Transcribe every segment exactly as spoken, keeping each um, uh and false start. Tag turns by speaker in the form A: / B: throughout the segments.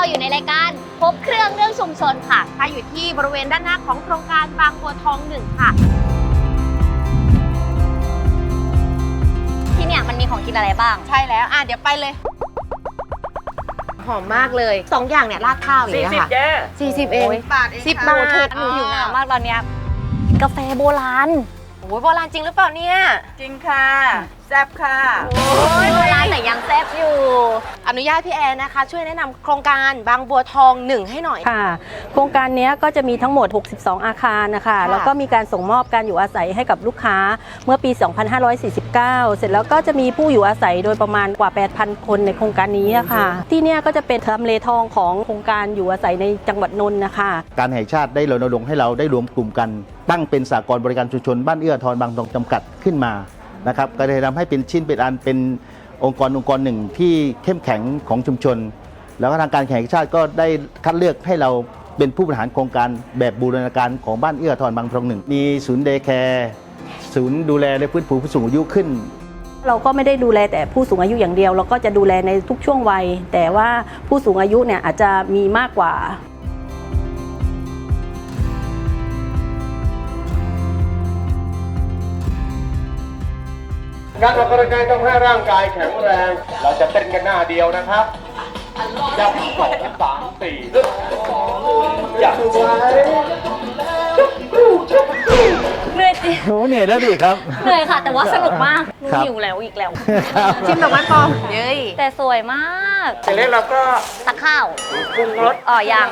A: อยู่ในรายการครบเครื่องเรื่องชุมชนค่ะค่ะอยู่ที่บริเวณด้านหน้าของโครงการบางบัวทองหนึ่งค่ะที่เนี่ยมันมีของกินอะไรบ้าง
B: ใช่แล้วอ่ะเดี๋ยวไปเลยหอมมากเลยสองอย่างเนี่ยราดข้าวอย่างเงี้ยค่ะสี่สิบเองบาทสิบบาท
A: หนูหิวน้ำมากตอนเนี้ยกาแฟโบราณ
B: โอ้ยโบราณจริงหรือเปล่าเนี่ย
C: จริงค่ะแซ่บค่ะ
A: โอ้ยโบราณแต่ยังแซ่บอยู่
B: อนุญาตพี่แอนนะคะช่วยแนะนำโครงการบางบัวทองหนึ่งให้หน่อย
D: ค่ะโครงการนี้ก็จะมีทั้งหมดหกสิบสองอาคารนะคะแล้วก็มีการส่งมอบการอยู่อาศัยให้กับลูกค้าเมื่อปี สองพันห้าร้อยสี่สิบเก้า เสร็จแล้วก็จะมีผู้อยู่อาศัยโดยประมาณกว่า แปดพัน คนในโครงการนี้ค่ะที่นี่ก็จะเป็นทำเลทองของโครงการอยู่อาศัยในจังหวัดนนท์นะคะ
E: การแห่งชาติได้รณรงค์ให้เราได้รวมกลุ่มกันตั้งเป็นสหกรณ์บริการชุมชนบ้านเอื้อทรบางทองจำกัดขึ้นมานะครับก็เลยทำให้เป็นชิ้นเป็นอันเป็นองค์กรองค์กรหนึ่งที่เข้มแข็งของชุมชนแล้วก็ทางการแห่งชาติก็ได้คัดเลือกให้เราเป็นผู้บริหารโครงการแบบบูรณาการของบ้านเอื้อทรบางทองหนึ่งมีศูนย์เดย์แคร์ศูนย์ดูแลและฟื้นฟูผู้สูงอายุขึ้น
D: เราก็ไม่ได้ดูแลแต่ผู้สูงอายุอย่างเดียวเราก็จะดูแลในทุกช่วงวัยแต่ว่าผู้สูงอายุเนี่ยอาจจะมีมากกว่า
F: การออกกำลังกายต้องให้ร่างกายแข็งแรง เราจะเต้นกันหน้าเดียวนะครับยับสองสามสี่ยับไว้
A: เหนื่อยจริง
E: โอ้เหนื่อยแล้วดิครับ
A: เหนื่อยค่ะแต่ว่าสนุกมากหนูหิวแล้วอีกแล้ว
B: ชิมดอกไม้ปลอมเย้ย
A: แต่สวยมาก
C: เสร็จแล้วเราก็
A: ตักข้าว
C: ปรุงรส
A: อ๋อยัง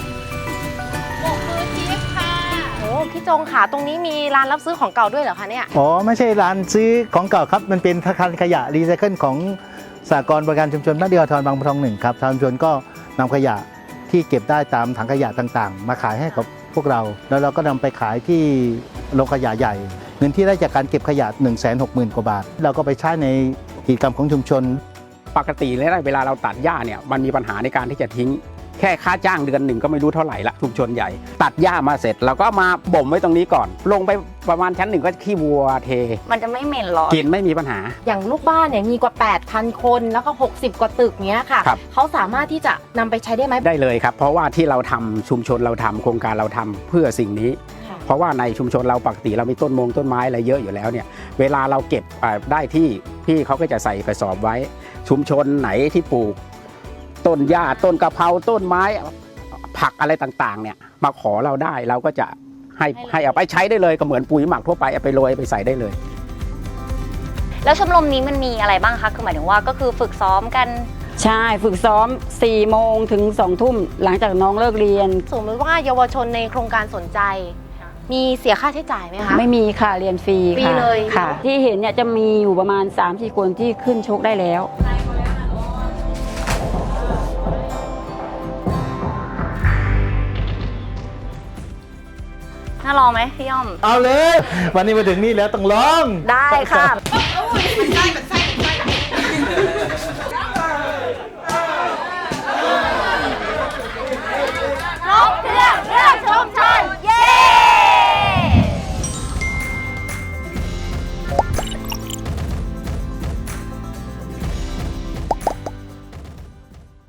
B: โอ้พี่จงค่ะตรงนี้มีร้านรับซื้อของเก่าด้วยเหรอคะเนี่ย
E: อ๋อไม่ใช่ร้านซื้อของเก่าครับมันเป็นธนาคารขยะรีไซเคิลของสหกรณ์บริการชุมชนบ้านเอื้อทรบางบัวทองหนึ่งครับทางชุมชนก็นำขยะที่เก็บได้ตามถังขยะต่างๆมาขายให้กับพวกเราแล้วเราก็นำไปขายที่โรงขยะใหญ่เงินที่ได้จากการเก็บขยะ หนึ่งแสนหกหมื่น กว่าบาทเราก็ไปใช้ในกิจกรรมของชุมชน
G: ปกติแล้วเวลาเราตัดหญ้าเนี่ยมันมีปัญหาในการที่จะทิ้งแค่ค่าจ้างเดือนหนึ่งก็ไม่รู้เท่าไหร่ละชุมชนใหญ่ตัดหญ้ามาเสร็จเราก็มาบ่มไว้ตรงนี้ก่อนลงไปประมาณชั้นหนึ่งก็ขี้วัวเท
A: มันจะไม่เหม็นหรอ
G: กินไม่มีปัญหา
B: อย่างลูกบ้านเนี่ยมีกว่า แปดพัน คนแล้วก็หกสิบกว่าตึกเนี้ยค่ะเขาสามารถที่จะนำไปใช้ได้ไหม
G: ได้เลยครับเพราะว่าที่เราทำชุมชนเราทำโครงการเราทำเพื่อสิ่งนี้เพราะว่าในชุมชนเราปกติเรามีต้นมงต้นไม้อะไรเยอะอยู่แล้วเนี่ยเวลาเราเก็บได้ที่พี่เขาก็จะใส่กระสอบไว้ชุมชนไหนที่ปลูกต้นหญ้าต้นกะเพราต้นไม้ผักอะไรต่างๆเนี่ยมาขอเราได้เราก็จะให้ให้เอาไปใช้ได้เลยก็เหมือนปุ๋ยหมักทั่วไปเอาไปโรยไปใส่ได้เลย
A: แล้วชมรมนี้มันมีอะไรบ้างคะคือหมายถึงว่าก็คือฝึกซ้อมกัน
D: ใช่ฝึกซ้อมสี่โมงถึงสองทุ่มหลังจากน้องเลิกเรียน
B: สมมติว่าเยาวชนในโครงการสนใจมีเสียค่าใช้จ่ายไหมคะ
D: ไม่มีค่ะเรียนฟรี
B: ฟรีเลย
D: ค่ะที่เห็นเนี่ยจะมีอยู่ประมาณ สามสี่ คนที่ขึ้นชกได้แล้ว
A: น่าลองไหมพี่ย่อม
E: เอาเลยวันนี้มาถึงนี่แล้วต้องลอง
A: ได้ค่ะ
C: มันได้มันไส้